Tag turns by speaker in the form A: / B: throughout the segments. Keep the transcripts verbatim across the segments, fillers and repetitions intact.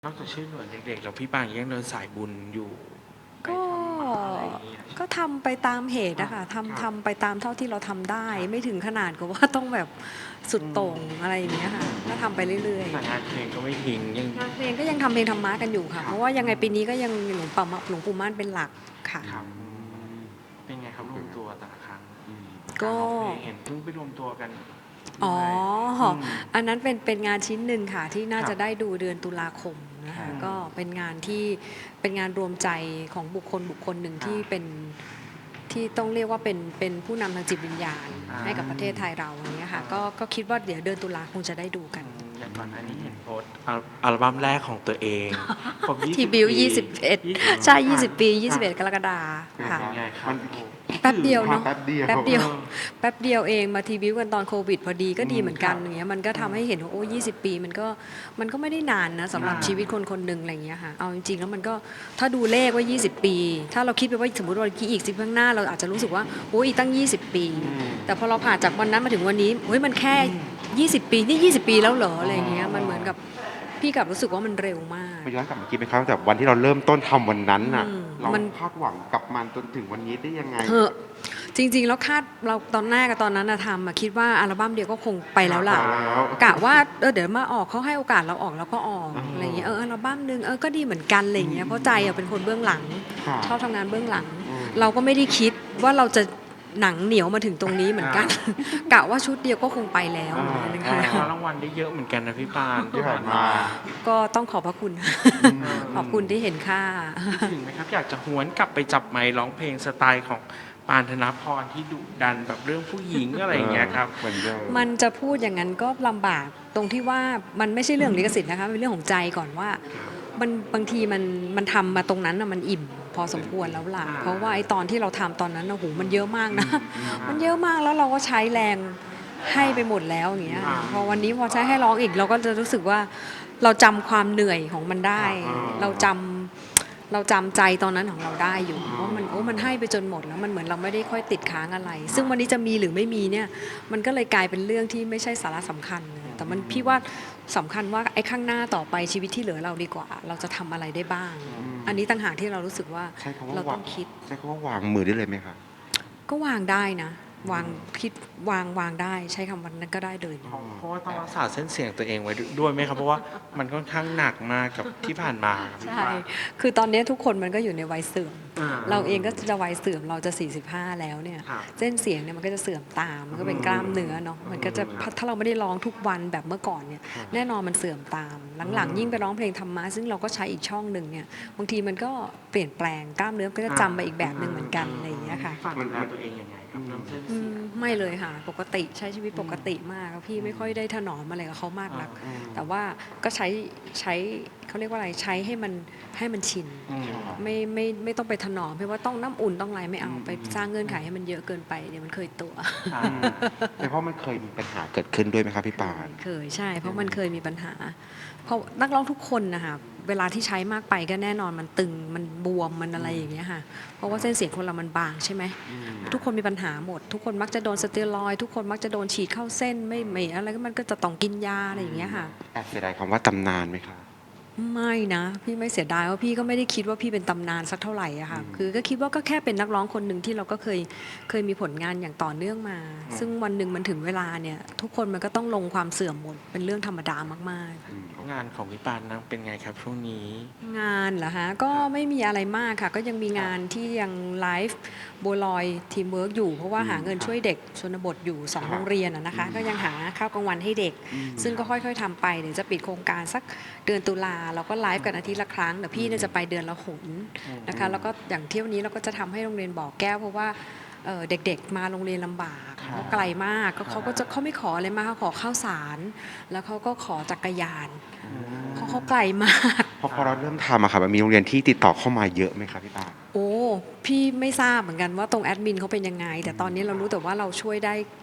A: นอกจากช่วยเหลือเด็กๆแล้วพี่ปางยังเดินสายบุญอยู่ไป
B: ก็
A: ทำมาอะไรอย่างเงี้ย
B: ก็ทำไปตามเหตุ
A: ครั
B: อะ
A: บ
B: ค่ะ
A: ครับ
B: ทำทำไปตามเท่าที่เราทำได้
A: ครับ
B: ไม่ถึงขนาดกับว่าต้องแบบสุด
A: อื
B: โต่ง
A: ม
B: อะไรอย่างเงี้ยค่ะก็ทำไปเรื่อย
A: แต่งานเพลงก็ไม่ทิ้งยัง
B: ๆงานเพลงก็ยังทำเพลงธรรมะกันอยู่ค่ะ
A: ครับ
B: เพราะว่ายังไง
A: อืม
B: ปีนี้ก็ยังหลวงปู่มหลวงปู่ม่านเป็นหลักค่ะ
A: ครับอืมเป็นไงครับรวมตัวแต่ละครั้งอืม
B: ก็
A: การร้องเพลงเห็นเพิ่งไปรวมตัวกัน
B: อ๋อ
A: ด้วยอืม
B: อันนั้นเป็นเป็นงานชิ้นหนึ่งค่ะที่น่า
A: ครับ
B: จะได้ดูเดือนตุลาคมนะ
A: อื
B: คะ
A: ม
B: ก็เป็นงานที่เป็นงานรวมใจของบุคคลบุคคลหนึ่ง
A: ครับ
B: ที่เป็นที่ต้องเรียกว่าเป็นเป็นผู้นำทางจิตวิญญาณ
A: อ่า
B: ให้กับประเทศไทยเราอย่างเงี้ยค่ะ
A: อ่า
B: ก็ก็คิดว่าเดี๋ยวเดือนตุลาคงจะได้ดูกัน
A: อืมอย่างก่อนอันนี้เห็นโพสต์อัลอัลบั้มแรกของตัวเองครบ
B: ที
A: ยี่สิบ
B: บิว
A: ปี
B: ยี่สิบเอ็ด
A: ยี่สิบ
B: ใช่
A: ครั
B: ยี่สิบปี
A: ครั
B: ยี่สิบเอ็ดกรกฎาคมค่ะ
A: เป็นยังไงครั
C: มัน
A: บโอ้
B: แป๊บเดียว
C: มา
B: เนาะ
C: แป๊บเดียว
B: แป๊บเดียว
A: เออ
B: แป๊บเดียวเองมาทีบิวกันตอนโควิดพอดีก็ดี
C: อืม
B: เหมือนกัน
A: ครับ
B: อย่างเงี้ยมันก็
A: อืม
B: ทำให้เห็นว่าโอ้ยี่สิบปีมันก็มันก็ไม่ได้นานนะสำหรับ
A: อ่า
B: ชีวิตคนคนหนึ่งอะไรอย่างเงี้ยค่ะเอาจริงๆแล้วมันก็ถ้าดูเลขว่ายี่สิบปี ถ้าเราคิดไปว่าสมมติว่าอีกสิบข้างหน้าเราอาจจะรู้สึกว่าโอ้ยอีกตั้งยี่สิบปี
A: อืม
B: แต่พอเราผ่านจากวันนั้นมาถึงวันนี้เฮ้ยมันแค่ยี่สิบปีนี่ยี่สิบปีแล้วเหรออะไรอย่างเงี้ยมันเหมือนกับพี่กลับรู้สึกว่ามันเร็วมาก
C: มาย้อนกลับมาคิดไหมครับแต่วันที่เราเริ่มต้นทำวันนั้นน่ะ
B: อืม
C: เรา
B: มัน
C: คาดหวังกับมันจนถึงวันนี้ได้ยังไง
B: เออจริงๆแล้วคาดเราตอนแรกกับตอนนั้นนะทำอะคิดว่าอัลบั้มเดียวก็คงไปแล้วล่ะ
C: ไปแล้ว
B: กะว่าเออเดี๋ยวมาออกเขาให้โอกาสเราออกเราก็ออก
C: อืม
B: อะไรอย่างเงี้ยเอออัลบั้มหนึงเออก็ดีเหมือนกันอะไรอย่างเงี้ยเพราะใจอะเป็นคนเบื้องหลัง
C: ค่ะ
B: ชอบทำงานเบื้องหลัง
C: อืม
B: เราก็ไม่ได้คิดว่าเราจะหนังเหนียวมาถึงตรงนี้เหมือนกัน กะว่าชุดเดียวก็คงไปแล้ว
C: อ่า
B: อะไรอย่าง
A: ค
B: เงี้ย
A: ว้ารางวัลได้เยอะเหมือนกันนะพี่ปาน
C: ที่ผ่านมา
B: ก็ต้องขอบพระคุณ ขอบคุณที่เห็นค่า
A: คิดถึงไหมครับอยากจะหวนกลับไปจับไมค์ร้องเพลงสไตล์ของปานธนพรที่ดุดันแบบเรื่องผู้หญิงอะไรอย่างเงี้ยครับ
C: เหมือนเดิม
B: มันจะพูดอย่างนั้นก็ลำบากตรงที่ว่ามันไม่ใช่เรื่องลิขสิทธิ์นะคะมันเป็นเรื่องของใจก่อนว่ามันบางทีมันมันทำมาตรงนั้นน่ะมันอิ่มพอสมควรแล้วล่ะ
A: อ่า
B: เพราะว่าไอ้ตอนที่เราทำตอนนั้นนะโหมันเยอะมากนะ
A: อืม
B: มันเยอะมากแล้วเราก็ใช้แรงให้ไปหมดแล้วอย่างเงี้ย
A: อ่า
B: พอวันนี้พอใช้ให้ร้องอีกเราก็จะรู้สึกว่าเราจำความเหนื่อยของมันได้
C: อ่า
B: เราจำเราจำใจตอนนั้นของเราได้อยู่ว่ามันโอ้มันให้ไปจนหมดแล้วมันเหมือนเราไม่ได้ค่อยติดค้างอะไร ซึ่งวันนี้จะมีหรือไม่มีเนี่ยมันก็เลยกลายเป็นเรื่องที่ไม่ใช่สาระสำคัญนะแต่มันพี่ว่าสำคัญว่าไอ้ข้างหน้าต่อไปชีวิตที่เหลือเราดีกว่า เราจะทำอะไรได้บ้าง อันนี้ต่างหากที่เรารู้สึกว่า
C: ใช้คำว่า
B: เรา
C: วา
B: ต้อง งคิด
C: ใช้คำว่าวางมือได้เลยไหมคะ
B: ก็วางได้นะ วางคิดวางวางได้ใช้คำวันนั้นก็ได้เลย
A: เพราะเพราะว่าต้องรักษาเส้นเสียงตัวเองไว้ด้วยไหมครับ เพราะว่ามันค่อนข้างหนักมากกับที่ผ่านมาครับพี่
B: ใช่
A: ปาน
B: คือตอนนี้ทุกคนมันก็อยู่ในวัยเสื่อม
A: อ่
B: เราเองก็จะวัยเสื่อมเราจะสี่สิบห้าแล้วเนี่ย
A: ครับ
B: เส้นเสียงเนี่ยมันก็จะเสื่อมตาม มันก็เป็นกล้ามเนื้อเนาะ มันก็จะถ้าเราไม่ได้ร้องทุกวันแบบเมื่อก่อนเนี่ย แน่นอนมันเสื่อมตาม หลังๆยิ่งไปร้องเพลงธรรมะซึ่งเราก็ใช้อีกช่องหนึ่งเนี่ย บางทีมันก็เปลี่ยนแปลงกล้ามเนื้อก็จะจำไปอีกแบบหนึ่งเหมือนกันอะไรอย่างเงี้ยค่ะ
A: ฝากดูแลตัวเองยังไงครับเรื่องเส้น
B: อื
A: เสีย
B: ม
A: ง
B: ไม่เลยค่ะปกติใช้ชีวิตปกติมากพี่ไม่ค่อยได้ถนอมอะไรกับเขามากนัก แต่ว่าก็ใช้ใช้เขาเรียกว่าอะไรใช้ให้มันให้มันชิน
A: อืม
B: ไม่ไม่ไม่ต้องไปถนอมเพราะว่าต้องน้ำอุ่นต้องอะไรไม่เอาไปสร้างเงื่อนไขให้มันเยอะเกินไปเดี๋ยวมันเคยตัว
A: อ่า
C: แต่เพราะมันเคยมีปัญหาเกิดขึ้นด้วยไหมครับพี่ปาน
B: เคยใช่ เพราะมันเคยมีปัญหา เพราะนักร้องทุกคนนะคะเวลาที่ใช้มากไปก็แน่นอนมันตึงมันบวมมันอะไรอย่างเงี้ยค่ะเพราะว่าเส้นเสียงคนเรามันบางใช่ไหมทุกคนมีปัญหาหมด ทุกคนมักจะโดนสเตียรอยด์ทุกคนมักจะโดนฉีดเข้าเส้นไม่ไม่อะไรก็มันก็จะต้องกินยาอะไรอย่างเงี้ยค่ะ
C: แอบเสียดายคำว่าตำนานไหมคะ
B: ไม่นะพี่ไม่เสียดายว่าพี่ก็ไม่ได้คิดว่าพี่เป็นตำนานสักเท่าไหร่อะค่ะคือก็คิดว่าก็แค่เป็นนักร้องคนหนึ่งที่เราก็เคยเคยมีผลงานอย่างต่อเนื่องมา ซึ่งวันหนึ่งมันถึงเวลาเนี่ยทุกคนมันก็ต้องลงความเสื่อมหมดเป็นเรื่องธรรมดามากๆ
A: งานของพี่ปานนะเป็นไงครับช่วงนี้
B: งานเหรอฮะก็ไม่มีอะไรมากค่ะ ก็ยังมีงานที่ยังไลฟ์บัวลอยทีมเวิร์กอยู่ เพราะว่าหาเงินช่วยเด็กชนบทอยู่สองโรงเรียนอะนะคะ ก็ยังหาข้าวกลางวันให้เด็ก ซึ่งก็ค่อยๆทำไปเดี๋ยวจะปิดโครงการสักเดือนตุลาเราก็ไลฟ์กันอาทิตย์ละครั้งแต่พี่เนี่ยจะไปเดือนละหนนะคะแล้วก็อย่างเที่ยวนี้เราก็จะทำให้โรงเรียนบ่อแก้วเพราะว่าเอ่อเด็กๆมาโรงเรียนลำบาก
A: ครับ
B: เขาไกลมากก็เขาก็จะเขาไม่ขออะไรมากเขาขอข้าวสาร แล้วเขาก็ขอจักรยานเพราะเขาไกลมาก
C: เพราะพอเราเริ่มทำอะค่ะมันมีโรงเรียนที่ติดต่อเข้ามาเยอะไหมครับพี่ปาน
B: โอ้พี่ไม่ทราบเหมือนกันว่าตรงแอดมินเขาเป็นยังไง แต่ตอนนี้เรารู้แต่ว่าเราช่วยได้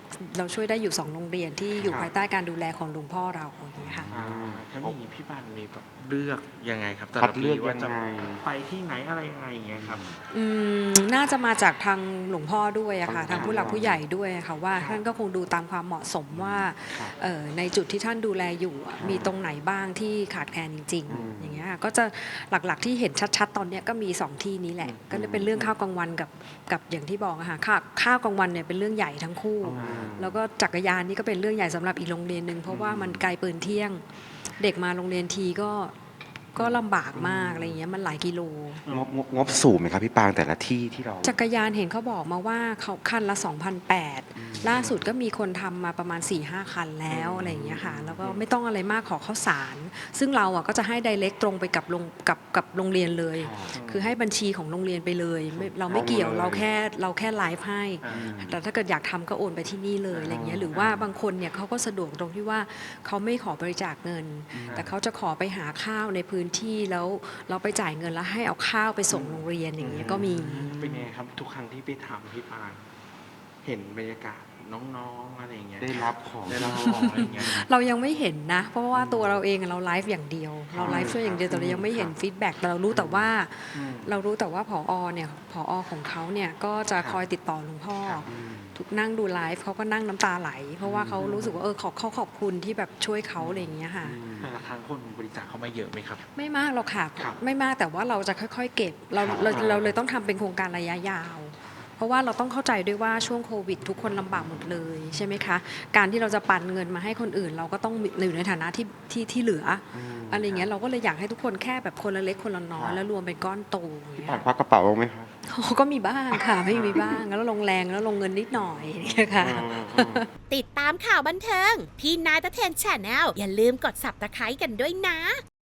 B: เราช่วยได้อยู่สองโรงเรียนที่อยู่
C: ครับ
B: ภายใต้การดูแลของหลวงพ่อเราอย่างเงี้ยค่ะ
A: อ่าถ้าอย่างนี้พี่ปานมีแบบเลือกยังไงครับแต่
C: คั
A: ละ
C: ด
A: ปี
C: เลือก
A: ว่า
C: ยัง
A: จะ
C: ไง
A: ไปที่ไหนอะไรยังไงอย่างเงี้ยครับ
B: อืมน่าจะมาจากทางหลวงพ่อด้วยอะค่ะ
C: ทา
B: ทาง งผู้หลักผู้ใหญ่ด้วยอะค่ะว่า
A: ครับ
B: ท่านก็คงดูตามความเหมาะสมว่า
A: ครับ
B: เอ่อในจุดที่ท่านดูแลอยู่อะมีตรงไหนบ้างที่ขาดแคลนจริง
C: อืม
B: ๆ อย่างเงี้ยค่ะก็จะหลักๆที่เห็นชัดๆ ตอนเนี้ยก็มีสองที่นี้แหละ ก็จะเป็นเรื่องข้าวกลางวันกับกับอย่างที่บอกอะค่ะข้าวข้าวกลางวันเนี่ยเป็นเรื่องใหญ่ทั้งคู่
C: อืม
B: แล้วก็จักรยานนี่ก็เป็นเรื่องใหญ่สำหรับอีกโรงเรียนหนึ่งเพราะว่ามันไกลปืนเที่ยง เด็กมาโรงเรียนทีก็ก็ลำบากมากอะไรอย่างเงี้ยมันหลายกิโล
C: งบงบงบสูงไหมครับพี่ปางแต่ละที่ที่เรา
B: จักรยานเห็นเขาบอกมาว่าเขาคันละ สองพันแปดร้อย ล่าสุดก็มีคนทำมาประมาณ สี่ห้า คันแล้วอะไรอย่างเงี้ยค่ะแล้วก็ไม่ต้องอะไรมากขอข้าวสาร ซึ่งเราอ่ะก็จะให้ direct ตรงไปกับโรงกับกับโรงเรียนเลย คือให้บัญชีของโรงเรียนไปเลยไม่เราไม่เกี่ยว
C: เอาเลย
B: เราแค่เราแค่ไลฟ์ให้
A: อ่า
B: แต่ถ้าเกิดอยากทำก็โอนไปที่นี่เลยอะไรเงี้ยหรือว่าบางคนเนี่ยเขาก็สะดวกตรงที่ว่าเขาไม่ขอบริจาคเงิน แต่เขาจะขอไปหาข้าวในพื้นที่แล้วเราไปจ่ายเงินแล้วให้เอาข้าวไปส่งโรงเรียนอย่างเงี้ยก็มี
A: เป็นไงครับทุกครั้งที่ไปทำพี่ปานเห็นบรรยากาศน้องๆอะไรอย่างเงี้ย
C: ได้รับของ
A: ได้รับของอะไรอย่างเงี้ย
B: เรายังไม่เห็นนะ เพราะว่าตัวเราเองอะเราไลฟ์อย่างเดียว เราไลฟ์ช่วยอย่างเดียวแต่เรายังไม่เห็นฟีดแบ็กแต่เรารู้แต่ว่า
A: อืม
B: เรารู้แต่ว่าผอเนี่ยผอของเขาเนี่ยก็จะคอยติดต่อหลวงพ่อ
A: ครับ
B: ทุกนั่งดูไลฟ์เขาก็นั่งน้ำตาไหล เพราะว่าเขารู้สึกว่าเออขอเขาขอบคุณที่แบบช่วยเขาอะไรอย่างเงี้ยค่ะ
A: แต่ละครั้งคนบริจาคเข้ามาเยอะไหมครับ
B: ไม่มากหรอกค่ะ
A: ครับ
B: ไม่มากแต่ว่าเราจะค่อย ๆ เก็บเรา
A: ครับ
B: เราเราเลยต้องทำเป็นโครงการระยะยาว เพราะว่าเราต้องเข้าใจด้วยว่าช่วงโควิด ทุกคนลำบากหมดเลยใช่ไหมคะ การที่เราจะปันเงินมาให้คนอื่น เราก็ต้องอยู่ในฐานะที่ที่ที่เหลือออะไรเงี้ยเราก็เลยอยากให้ทุกคนแค่แบบคนละเล็กคนละน้อยแล้วรวมเป็นก้อนโตอย่าง
C: พี่
B: เงี้
C: ปาง
B: ย
C: ควักกระเป๋าบ้างไหมครับ
B: ก็มีบ้างค่ะไม่มีบ้างแล้วลงแรงแล้วลงเงินนิดหน่อยอย่างเงี้ยค่ะ
D: ติดตามข่าวบันเทิง พี่นายตะเทนแชนแนลอย่าลืมกด ซับสไครบ์ กันด้วยนะ